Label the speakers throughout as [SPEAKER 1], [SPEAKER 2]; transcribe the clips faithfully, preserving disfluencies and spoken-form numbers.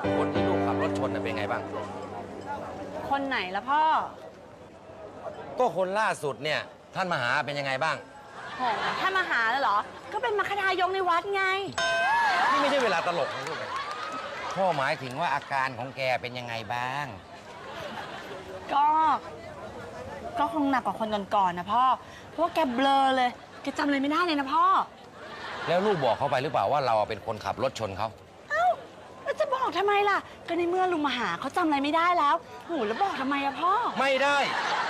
[SPEAKER 1] คนที่ลูกขับรถชนเป็นไงบ้าง
[SPEAKER 2] คนไหนละพ่อ
[SPEAKER 1] ก็คนล่าสุดเนี่ยท่านมหาเป็นยังไงบ้าง
[SPEAKER 2] โหท่านมหาแล้วเหรอก็เป็นมคทายกในวัดไง
[SPEAKER 1] นี่ไม่ใช่เวลาตลกนะลูกพ่อหมายถึงว่าอาการของแกเป็นยังไงบ้าง
[SPEAKER 2] ก็ก็คงหนักกว่าคนก่อนๆนะพ่อเพราะว่าแกเบลอเลยแกจำอะไรไม่ได้เลยนะพ่อ
[SPEAKER 1] แล้วลูกบอกเขาไปหรือเปล่าว่าเราเป็นคนขับรถชนเขา
[SPEAKER 2] เอ้าแล้วจะบอกทำไมล่ะก็ในเมื่อลุงมหาเขาจำอะไรไม่ได้แล้วโหแล้วบอกทำไมอะพ่อ
[SPEAKER 1] ไม่ได้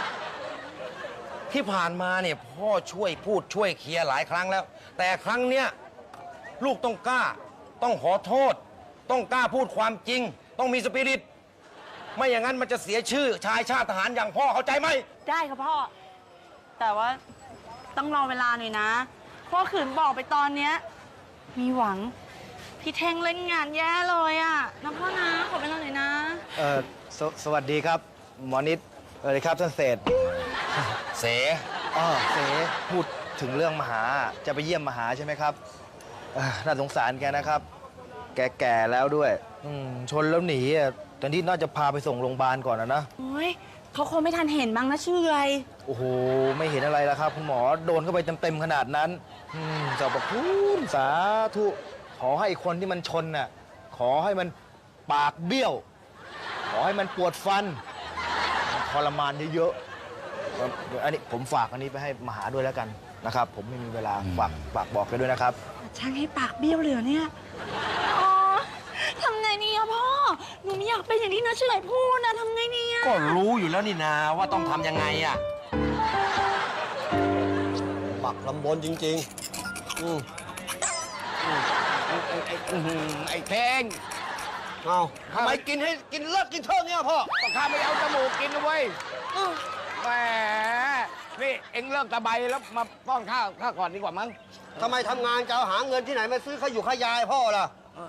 [SPEAKER 1] ที่ผ่านมาเนี่ยพ่อช่วยพูดช่วยเคลียร์หลายครั้งแล้วแต่ครั้งเนี้ยลูกต้องกล้าต้องขอโทษต้องกล้าพูดความจริงต้องมีสปิริตไม่อย่างนั้นมันจะเสียชื่อชายชาติทหารอย่างพ่อเข้าใจไหม
[SPEAKER 2] ได้ครับพ่อแต่ว่าต้องรอเวลาหน่อยนะพ่อขืนบอกไปตอนเนี้ยมีหวังพี่เท่งเล่นงานแย่เลยอะนะพ่อนะขอเวลาหน่อยนะ
[SPEAKER 3] เออสสวัสดีครับหมอนิดเออครับท่านเศษ
[SPEAKER 1] เส
[SPEAKER 3] อ๋อเสพูดถึงเรื่องมหาจะไปเยี่ยมมหาใช่ไหมครับน่าสงสารแกนะครับแกแก่แล้วด้วยชนแล้วหนีอ่ะตอนนี้น่าจะพาไปส่งโรงพยาบาลก่อนนะนะ
[SPEAKER 2] โอ้ยเขาคงไม่ทันเห็นบ้างนะชื่ออะไร
[SPEAKER 3] โอ้โหไม่เห็นอะไรแล้วครับคุณหมอโดนเข้าไปเต็มๆขนาดนั้นอืมเจ้าประคุณสาธุขอให้คนที่มันชนน่ะขอให้มันปากเบี้ยวขอให้มันปวดฟันทรมานเยอะๆอันนี้ผมฝากอันนี้ไปให้มหาด้วยแล้วกันนะครับผมไม่มีเวลาฝากฝากบอกไปด้วยนะครับ
[SPEAKER 2] ช่างให้ปากเบี้ยวเลยเนี่ยอ๋อทำไงนี่อะพ่อหนูไม่อยากเป็นอย่างที่น้าเฉยพูดนะทำไงนี่อะ
[SPEAKER 1] ก็รู้อยู่แล้วนี่นาว่าต้องทำยังไงอะ
[SPEAKER 4] ปักลำบนจริงๆอืม
[SPEAKER 1] ไอ้ไอ้ไอ้เท่ง
[SPEAKER 4] เอาทำไมกินให้กินเลิกกินเท่านี้พ่อ
[SPEAKER 1] ต้องข้าไม่เอาจมูกกินนะเว้ยแหมนี่เอ็งเลิกตะไบแล้วมาป้อนข้าวข้าก่อนดีกว่ามั้ง
[SPEAKER 4] ทำไมทำงานจะเอาหาเงินที่ไหนมาซื้อข้าวอยู่ข้าวยายพ่อล่ะ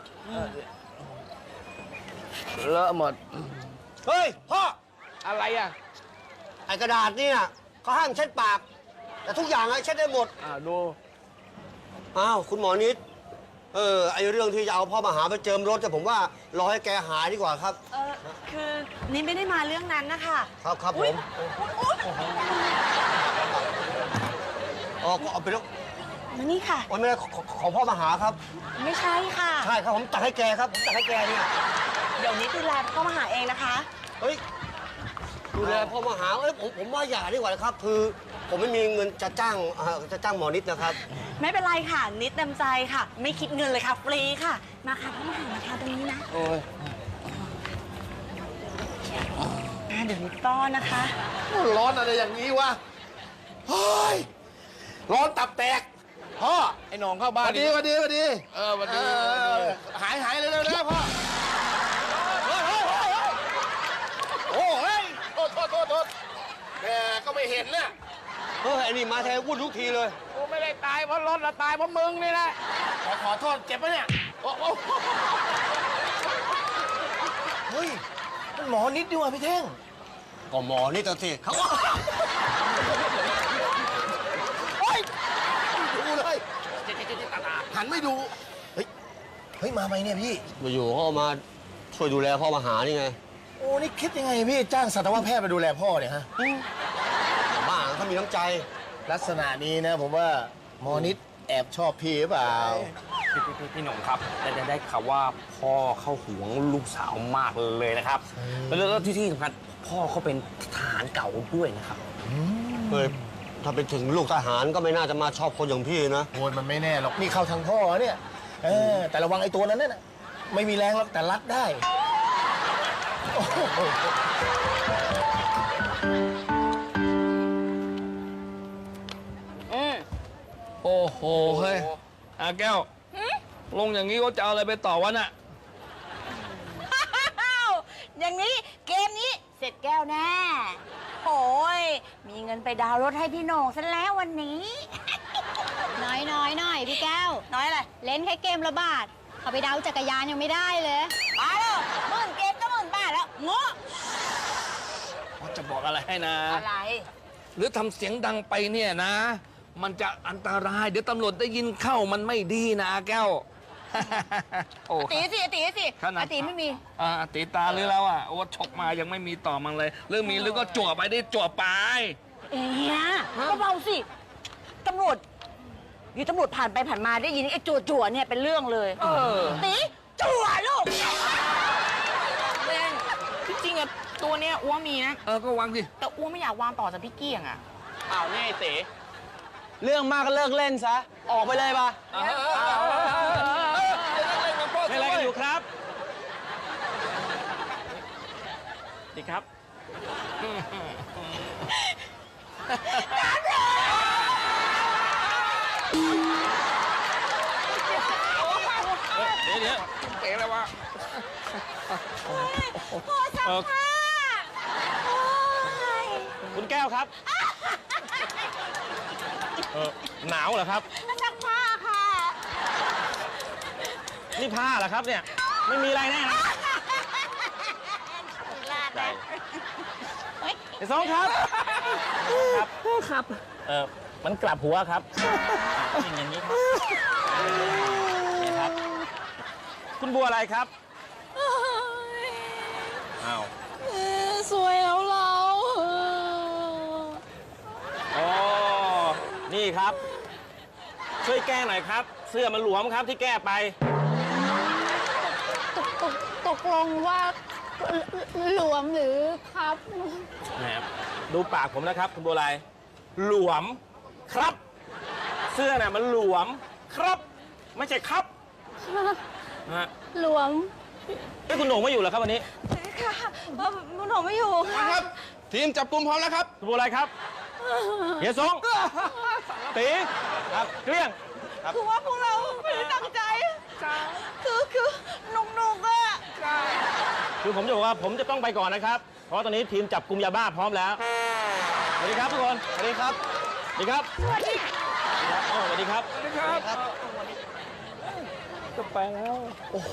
[SPEAKER 1] เลอะหมด
[SPEAKER 4] เฮ้ยพ่อ
[SPEAKER 1] อะไรอ่ะ
[SPEAKER 4] ไอ้กระดาษนี่น่ะเขาห้ามเช็ดปากแต่ทุกอย่างอะเช็ดได้หมด
[SPEAKER 1] อ่าดู
[SPEAKER 4] อ้าวคุณหมอนิดเออไอเรื่องที่จะเอาพ่อมาหาไปเจิมรถแต่ผมว่ารอให้แกหายดีกว่าครับ
[SPEAKER 2] เออคือนี่ไม่ได้มาเรื่องนั้นนะคะ
[SPEAKER 4] ครับครับผมอ๋อก็เอาไปแล้ว
[SPEAKER 2] มานี่ค่ะ
[SPEAKER 4] โอ้ยไม่ได้ของพ่อมาหาครับ
[SPEAKER 2] ไม่ใช่ค่ะ
[SPEAKER 4] ใช่ครับผมตักให้แกครับผมตักให้แกเนี่ย
[SPEAKER 2] เดี๋ยวนี้ดูแลพ่อมาหาเองนะคะ
[SPEAKER 4] เฮ้ยดูแลพ่อมาหาเอ้ยผมผมว่าอย่าดีกว่านะครับคือผมไม่มีเงินจะจ้างจะจ้างหมอนิดนะครับ
[SPEAKER 2] ไม่เป็นไรค่ะนิดเต็มใจค่ะไม่คิดเงินเลยค่ะฟรีค่ะมาค่ะพ่อมาหามาทานตรงนี้นะ
[SPEAKER 4] โอ้ย
[SPEAKER 2] เดี๋ยวนิดต้อนนะคะ
[SPEAKER 4] ร้อนอะไรอย่างนี้วะเฮ้ยร้อนตับแตกพ่อ
[SPEAKER 1] ไอ้หนองเข้าบ้าน
[SPEAKER 4] ดีวันดีวันดี
[SPEAKER 1] เออวันดี
[SPEAKER 4] หายหายเลยนะพ่อเฮ้ยเฮ้ยเฮ้ยโอ้เฮ้ย
[SPEAKER 1] โทษโทษโทษโทษแกก็ไม่เห็นนะ
[SPEAKER 4] เฮ้ยไอ้นี่มาแทนวุ่นทุกทีเลย
[SPEAKER 1] กูไม่ได้ตายเพราะรถละตายเพราะมึงนี่แหละขอขอโทษเจ็บปะเนี่ยโอ้โห
[SPEAKER 3] เฮ้ยมันหมอนิดดีกว่าพี่เท่ง
[SPEAKER 4] ก็หมอนิดตัวสิเขา
[SPEAKER 3] เฮ้ยดูเลยหันไม่ดูเฮ้ยเฮ้ยมาไหมเนี่ยพี่
[SPEAKER 4] มาอยู่เขามาช่วยดูแลพ่อมาหานี่ไง
[SPEAKER 3] โอ้นี่คิดยังไงพี่จ้างสัตวแพทย์มาดูแลพ่อเนี่ยฮะ
[SPEAKER 4] บ้าเขามีน้ำใจ
[SPEAKER 3] ลักษณะนี้นะผมว่าหมอนิดแอบชอบพี่หรือเปล่า
[SPEAKER 1] พี่พี่พี่หนุ่มครับแต่ได้ข่าวว่าพ่อเขาหวงลูกสาวมากเลยนะครับแล้วที่ที่สำคัญพ่อเขาเป็นทหารเก่าด้วยนะครับ
[SPEAKER 4] เฮ้ยถ้าเป็นถึงลูกทหารก็ไม่น่าจะมาชอบคนอย่างพี่นะ
[SPEAKER 3] โอ้ยมันไม่แน่หรอกนี่เข้าทางพ่อเนี่ยเออแต่ระวังไอ้ตัวนั้นน่ะไม่มีแรงหรอกแต่รัดได้
[SPEAKER 1] โอ้โหเฮ้ยอาแก้วลงอย่างนี้ก็จะเอาอะไรไปต่อวะน่ะ
[SPEAKER 2] อย่างนี้เกมนี้เสร็จแก้วแน่โอ้ยมีเงินไปดาวรถให้พี่โหน่งซะแล้ววันนี้
[SPEAKER 5] น้อยน้อยหน่อยพี่แก้ว
[SPEAKER 2] น้อยอะไร
[SPEAKER 5] เล่นแค่เกมละบาทเขาไปดาวจักรยานยังไม่ได้เลย
[SPEAKER 2] มาแล้วหมื่นเกมก็หมื่นบาทแล้วโง่
[SPEAKER 1] จะบอกอะไรให้นะ
[SPEAKER 2] อะไร
[SPEAKER 1] หรือทำเสียงดังไปเนี่ยนะมันจะอันตรายเดี๋ยวตำรวจได้ยินเข้ามันไม่ดีนะแก้ว
[SPEAKER 6] โอ้
[SPEAKER 2] ตีสิตีสิ
[SPEAKER 6] ขนาด
[SPEAKER 2] ตีไม่มี
[SPEAKER 6] อ่าตีตาหรือแล้วอ่ะโอ้ฉกมายังไม่มีต่อมันเลยเรื่องมีหรือก็จั่วไปได้จั่วไป
[SPEAKER 2] เอ้ยเบาๆสิตำรวจอยู่ตำรวจผ่านไปผ่านมาได้ยินไอ้จั่วจั่วๆเนี่ยเป็นเรื่องเลย
[SPEAKER 6] เออ
[SPEAKER 2] ตีจั่วลูก
[SPEAKER 7] เล่นจริงๆอะตัวเนี้ยอ้วมีนะ
[SPEAKER 6] เออก็วางสิ
[SPEAKER 7] แต่อ้วไม่อยากวางต่อจากพี่เกี้ยงอะ
[SPEAKER 8] อ้าวนี่ไอ้เต๋เรื่องมากก็เลิกเล่นซะ ออกไปเลยปะเล่นอะไรกันอยู่ครับดีครับ
[SPEAKER 6] เดี๋ยวเดี๋ยวเตะแล้ววะ
[SPEAKER 8] เออคุณแก้วครับเออหนาวเหรอครับ
[SPEAKER 2] ซักผ้าค่ะ
[SPEAKER 8] นี่ผ้าเหรอครับเนี่ย ไม่มีอะไรแน่นะใจไอ้สองครับ ครับ ครับ เออมันกลับหัวครับอย่างอย่างนี้ครับนี่ครับ คุณบัวอะไรครับ อ้าว
[SPEAKER 2] สวยแล้วเรา
[SPEAKER 8] อ๋อ นี่ครับ ช่วยแก้หน่อยครับ เสื้อมันหลวมครับที่แก้ไป
[SPEAKER 5] ตกตกตกลงว่าหลวมหรือครับ
[SPEAKER 8] นะครับดูปากผมนะครับ คุณบัวลายหลวมครับ เสื้อน่ะมันหลวมครับ ไม่ใช่ครับนะฮะ
[SPEAKER 5] หลวม
[SPEAKER 8] เอ้ยคุณโหน่งไม่อยู่เหรอครับวันนี้
[SPEAKER 2] ค่ะมุนหนูไม่อยู่ค่ะ
[SPEAKER 6] ครับ ทีมจับกลุ่มพร้อมแล้วครับ
[SPEAKER 8] คุณบัวลายครับเฮียสงตีครับเกลี้ยง
[SPEAKER 2] คือว่าพวกเราไม่ได้ตั้งใจคือคือหนุกๆอะ
[SPEAKER 8] คือผมจะบอกว่าผมจะต้องไปก่อนนะครับ เพราะตอนนี้ทีมจับกลุ่มยาบ้าพร้อมแล้วสวัสดีครับทุกคนสวัสดีครับสวัสดีครับสวัสดีครับอ๋อสวัสดีครับสวัสดีครับจะไปแล้ว
[SPEAKER 9] โอ้โห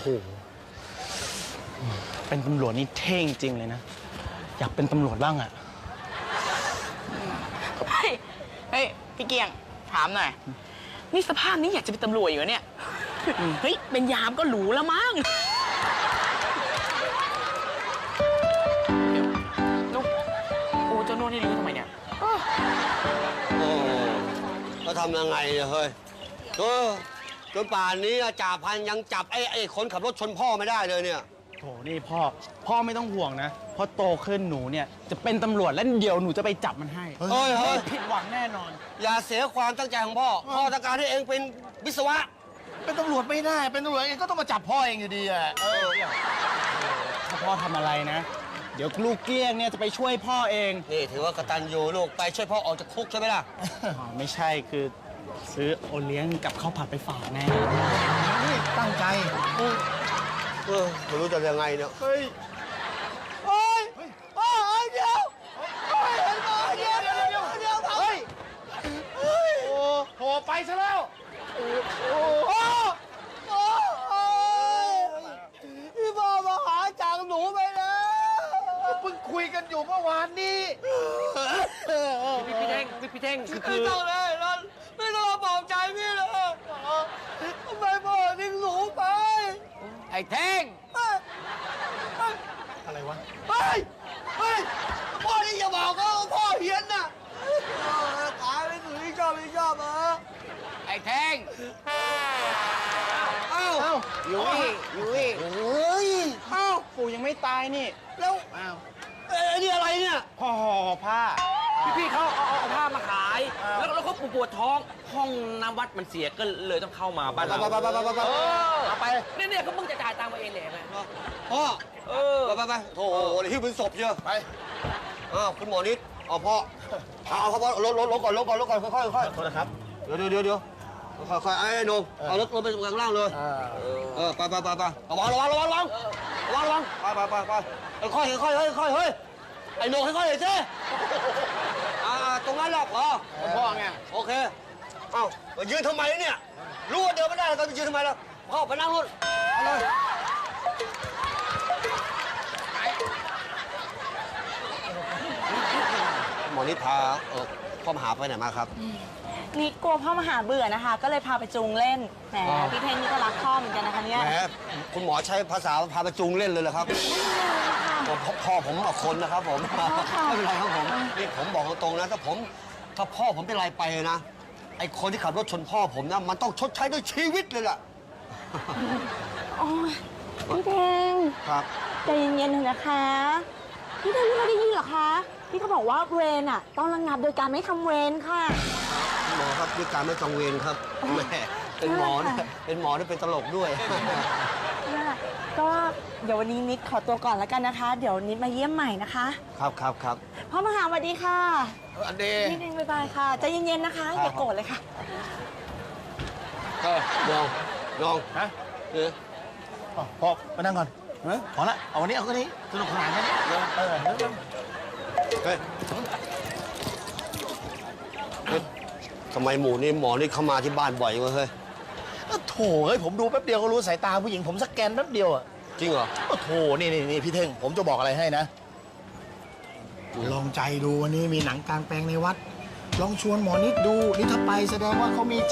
[SPEAKER 9] เป็นตำรวจนี่เท่จริงเลยนะ อยากเป็นตำรวจบ้างอะ
[SPEAKER 7] เฮ้ยเฮ้ยพี่เกียงถามหน่อยนี่สภาพนี้อยากจะเป็นตำรวจอยู่เหรอเนี่ยเฮ้ยเป็นยามก็หรูแล้วมั้งเดี๋ยวลูกโอ้เจ้าโน่นนี่รู้ทำไมเนี่ย
[SPEAKER 4] โอ้ก็ทำยังไงเนี่ยเฮ้ยเออจนป่านนี้จ่าพันยังจับไอ้ไอ้คนขับรถชนพ่อไม่ได้เลยเนี่ย
[SPEAKER 9] โถนี่พ่อ พ่อไม่ต้องห่วงนะเพราะโตขึ้นหนูเนี่ยจะเป็นตำรวจแล้วเดี๋ยวหนูจะไปจับมันให้
[SPEAKER 4] เฮ้ยเฮ้ย
[SPEAKER 9] ไม่ผิดหวังแน่นอน
[SPEAKER 4] อย่าเสียความตั้งใจของพ่อ พ่อต้องการให้เองเป็นวิศวะ
[SPEAKER 3] เป็นตำรวจไม่ได้ เป็นตำรวจเองก็ต้องมาจับพ่อเองอยู่ดีอะ
[SPEAKER 9] ถ้าพ่อทำอะไรนะ เดี๋ยวลูกเกลี้ยงเนี่ยจะไปช่วยพ่อเอง
[SPEAKER 4] นี่ถือว่ากตัญญูลูกไปช่วยพ่อออกจากคุกใช่ไหมล่ะ
[SPEAKER 9] อ๋อไม่ใช่คือซื้อโอเลี้ยงกับข้าวผัดไปฝากแน่
[SPEAKER 3] นี่ตั้งใจ
[SPEAKER 4] เออไม่รู้จะยังไงเนี่ย
[SPEAKER 3] เฮ้ยโอ้ยโอ้ยเดี๋ยวโอ้ยเดี๋ยวเดี๋ยวเดี๋ยวเดี๋ยวเฮ้ยเฮ้ยโอ้โหไปซะแล้วโอ้โอ้โอ้พี่พ่อมาหาจากหนูไปแล้วเพิ่งคุยกันอยู่เมื่อวานนี้
[SPEAKER 8] พี่พี่เท่งพี่พี่เท่งคือ
[SPEAKER 4] ไม่ต้องเลยนนไม่ต้องมาบอกใจพี่เลยทำไมพ่อทิ้งหนูไป
[SPEAKER 8] ไอ้เท่ง
[SPEAKER 9] อะไรวะ
[SPEAKER 4] เฮ้ย เฮ้ย พ่อนี่อย่าบอกเขาว่าพ่อเฮียนน่ะตายไปถึงที่ชอบที่ชอบเหรอ
[SPEAKER 8] ไอ้เท่ง
[SPEAKER 4] เอ้า
[SPEAKER 9] เอ้า
[SPEAKER 8] อยู่นี่อยู่นี่
[SPEAKER 4] เฮ้ย
[SPEAKER 9] เอ้าปู่ยังไม่ตายนี่
[SPEAKER 4] แล้ว
[SPEAKER 9] อ้าว
[SPEAKER 4] เอ้ยนี่อะไรเนี่ย
[SPEAKER 9] พ่อห่อผ้า
[SPEAKER 8] พี่พี่เขาเอาเอาเอาผ้ามาขาย แล้วแล้วเขาปวดปวดท้อง ห้องน้ำวัดมันเสียก็เลยต้องเข้ามาบ้านเรา
[SPEAKER 4] ไปไปไปไปไปไป
[SPEAKER 8] เออเอาไปเนี่ยเนี่ยเขาเพิ่งจะจ่ายตังค์มาเองเลยไหม
[SPEAKER 4] พ่อ
[SPEAKER 8] เออ
[SPEAKER 4] ไปไปไปโถเดี๋ยวที่เป็นศพเยอะไปอ้าวคุณหมอนิดเอาพ่อเอาเอาพ่อลดลดลดก่อนลดก่อนลดก่อนค่อยๆค่อยๆ
[SPEAKER 9] โทษนะครับ
[SPEAKER 4] เดี๋ยวเดี๋ยวเดี๋ยวเดี๋ยวค่อยๆไอ้ไอ้หนุ่มเอารถรถไปข้างล่างเลย เออไปไปไปไประวังระวังระวังระวังระวังระวังไปไปไปไปค่อยค่อยค่อยค่อยเฮ้ยไอ้หนุ่มค่อยๆหน่อยสิอ่าตรงนั้นหรอกเหรอ
[SPEAKER 9] พ่อไง
[SPEAKER 4] โอเคเอ้ามายืนทำไมเนี่ยรู้ว่าเดินไม่ได้แล้วก็ไปยืนทำไมล่ะพ่อไปนั่งรถเอาเลยหมอนิดพาเออพ่อมหาไปไหนมาครับ
[SPEAKER 2] นิดกลัวพ่อมาหาเบื่อนะคะ ก็เลยพาไปจูงเล่น แหม
[SPEAKER 4] อ๋อ
[SPEAKER 2] พี่เท่งนี่ก็รักพ่อเหมือนกันนะคะเนี่ย
[SPEAKER 4] แหมคุณหมอใช้ภาษาพาไปจูงเล่นเลยเหรอครับพ่อพ่อผมเอาคนนะครับผม ไม่เป็นไรครับผม นี่ผมบอกตรงๆนะ ถ้าผม ถ้าพ่อผมเป็นไรไปนะ ไอ้คนที่ขับรถชนพ่อผมนะ มันต้องชดใช้ด้วยชีวิตเลยล่ะ
[SPEAKER 2] โอ้ยพี่เท่ง
[SPEAKER 4] ครับ
[SPEAKER 2] ใจเย็นๆเถอะนะคะ พี่เท่งไม่ได้ยินเหรอคะ พี่เขาบอกว่าเวรอ่ะต้องระงับโดยการไม่ทำเวรค่ะ
[SPEAKER 4] หมอครับด้วยการไม่จองเวรครับแหม่เป็นหมอเนี่ยเป็นหมอที่เป็นตลกด้วย
[SPEAKER 2] ก็เดี๋ยววันนี้นิดขอตัวก่อนแล้วกันนะคะ เดี๋ยวนิดมาเยี่ยมใหม่นะคะ
[SPEAKER 4] ครับครับครับ
[SPEAKER 2] พ่อมหาสวัสดีค่ะ
[SPEAKER 4] อันเด
[SPEAKER 2] นิดนึงบ๊ายบายค่ะใจเย็นๆนะคะอย่าโกรธเลยค่ะ
[SPEAKER 4] เออลองลอง
[SPEAKER 3] ฮะ
[SPEAKER 4] เออ
[SPEAKER 3] อ๋อพอมานั่งก่อนพอละเอาวันนี้เอาแค่นี้สนุกสนานแค่นี้เออเออเออ
[SPEAKER 4] เฮ้ยเฮ้ยทำไมหมูนี่หมอนี่เข้ามาที่บ้านบ่อยวะเฮ้ย
[SPEAKER 3] โถเฮ้ยผมดูแป๊บเดียวก็รู้สายตาผู้หญิงผมสแกนแป๊บเดียวอะ
[SPEAKER 4] จริงเหรอ
[SPEAKER 3] โอ้โถนี่นี่นี่พี่เท่งผมจะบอกอะไรให้นะ ลองใจดูวันนี้มีหนังกลางแปลงในวัด ลองชวนหมอนิดดูนี่ถ้าไปแสดงว่าเขามีใจ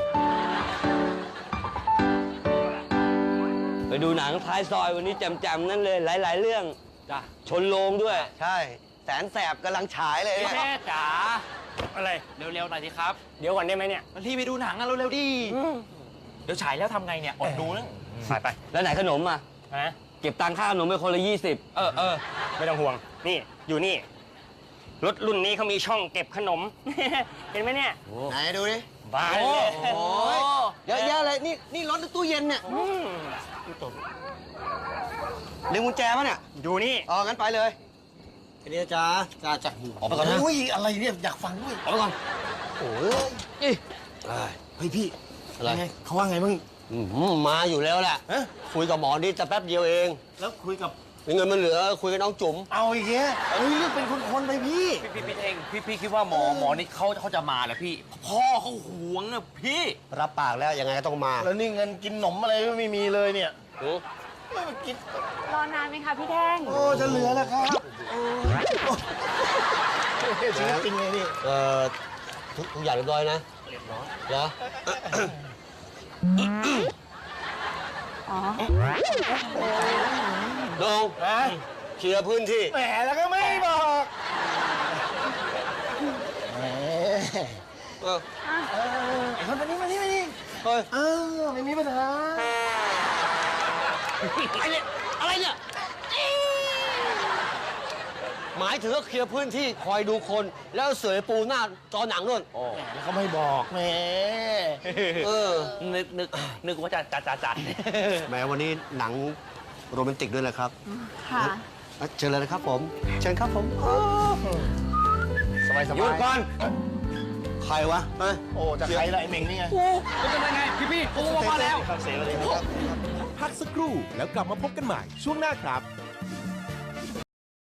[SPEAKER 10] ไปดูหนังท้ายซอยวันนี้แจมๆนั่นเลยหลาย ๆ เรื่องจ้ะชนโรงด้วย
[SPEAKER 4] ใช่ แสนแสบกำลังฉายเลย
[SPEAKER 8] พี่
[SPEAKER 4] เนี่ย
[SPEAKER 8] แม่จ๋าอะไรเร็วๆหน่อยสิครับ เดี๋ยวก่อนได้ไหมเนี่ยมันรีบไปดูหนังอะเร็วๆดิเดี๋ยวฉายแล้วทำไงเนี่ยอดดูนะไปไป
[SPEAKER 10] แล้วไหนขนมอ่ะ
[SPEAKER 8] นะ
[SPEAKER 10] เก็บตังค่าขนมไปคนละยี่สิบ
[SPEAKER 8] เออเออไม่ต้องห่วงนี่อยู่นี่รถรุ่นนี้เขามีช่องเก็บขนม เห็นไหมเนี่ย
[SPEAKER 4] ไหนดูดิ
[SPEAKER 8] บ้าเลย
[SPEAKER 4] โอ้ยเยอะแยะเลยนี่นี่รถหรือตู้เย็นเนี่ย
[SPEAKER 8] อืม
[SPEAKER 4] ดึงกุญแจมาเนี่ย
[SPEAKER 8] อยู่นี่
[SPEAKER 4] อ๋องั้นไปเลยไอ้นี่จ้าจ้าจ้าออกไปก่อนนะ
[SPEAKER 3] อุ้ยอะไรเนี่ยอยากฟังด้วย
[SPEAKER 4] ออกไปก่อนโอ้ยเอ้ย
[SPEAKER 3] เฮ้ยพี่
[SPEAKER 4] อะไร
[SPEAKER 3] ไงเขาว่าไงมึง
[SPEAKER 4] อืมมาอยู่แล้วแหละ
[SPEAKER 3] ฮะ
[SPEAKER 4] คุยกับหมอนี่จะแป๊บเดียวเอง
[SPEAKER 3] แล้วคุยกับ
[SPEAKER 4] มีเงินมันเหลือคุยกับน้องจุ๋ม
[SPEAKER 3] เอาอีกแยะเฮ้ยเรื่องเป็นคนๆไปพี่
[SPEAKER 6] พี่พี่เองพี่พี่คิดว่าหมอหมอนี่เขาเขาจะมาเหรอพี่ พ่อเขาหวงอะพี่
[SPEAKER 4] รับปากแล้วยังไงก็ต้องมา
[SPEAKER 3] แล้วนี่เงินกินหนมอะไรก็ไม่มีเลยเนี่ย
[SPEAKER 4] โอ้
[SPEAKER 3] ไม่มากิน
[SPEAKER 2] รอนานไหมคะพี่แท่ง
[SPEAKER 3] โอ้จะเหลือแล้วครับโอ้ชีวิตจริงเลยนี่
[SPEAKER 4] เอ่อทุกทุกอย่างเรียบร้อยนะเรียบร้อยเหรอ
[SPEAKER 2] อ๋อ
[SPEAKER 4] น้อง
[SPEAKER 3] ฮะ
[SPEAKER 4] เคลียร์พื้นที่
[SPEAKER 3] แหมแล้วก็ไม่บอกแหม
[SPEAKER 4] เออ
[SPEAKER 3] เออไอ้คนมานี่มานี่มานี่
[SPEAKER 4] เฮ้ย
[SPEAKER 3] เออไม่มีปัญหา
[SPEAKER 4] อะไรเนี่ยอะไรเนี่ยหมายถึงว่าเคลียร์พื้นที่คอยดูคน แล้วเสยปูหน้าจอหนังนู่น
[SPEAKER 3] แหมแล้วเขาไม่บอกแหม
[SPEAKER 4] เออ
[SPEAKER 6] นึกนึกนึกว่าจะจัดจัดจัด
[SPEAKER 4] แม้วันนี้หนังโรแมนติกด้วยนะครับ
[SPEAKER 2] ค่ะ
[SPEAKER 4] อ่ะเชิญเลยนะครับผม เชิญครับผม
[SPEAKER 3] สบายส
[SPEAKER 4] หยุ
[SPEAKER 3] บา
[SPEAKER 4] ด
[SPEAKER 3] ย
[SPEAKER 4] ก่อน ใครวะฮะ
[SPEAKER 3] โอ้จะใครละไอ้เม่งนี่ไง
[SPEAKER 6] เป็นยังไงพี่พี่ผมมาแล้ว
[SPEAKER 3] เสียเลยครับ
[SPEAKER 11] พักสักครู่แล้วกลับมาพบกันใหม่ช่วงหน้าครับ